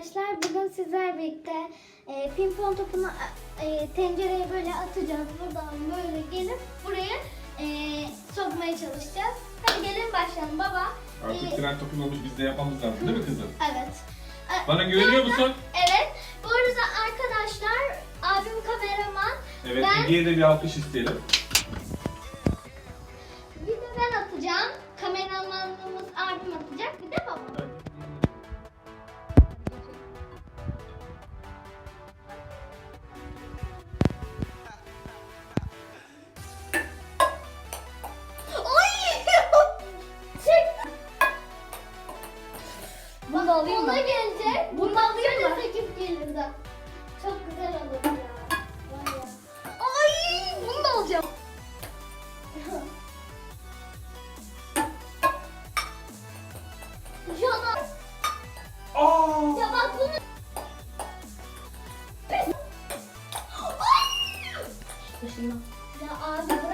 arkadaşlar. Bugün sizlerle birlikte pimpon topunu tencereye böyle atacağız. Buradan böyle gelip buraya sokmaya çalışacağız. Hadi gelin başlayalım baba. Artık tren topun olmuş, biz de yapmamız lazım değil mi kızım? Evet. Bana güveniyor musun? Evet. Bu arada arkadaşlar abim kameraman. Evet, Ege'ye de bir alkış isteyelim. Bir de ben atacağım. Kameramanımız abim atacak. Bir de babam. Bunu da alayım mı? Ona gelecek. Bunu da alayım mı? Sekip gelirdi. Çok güzel olur ya. Var ya. Ay, bunu da alacağım. Jana. Aa! Ya bak bunu. Başından. Ya abi bırak.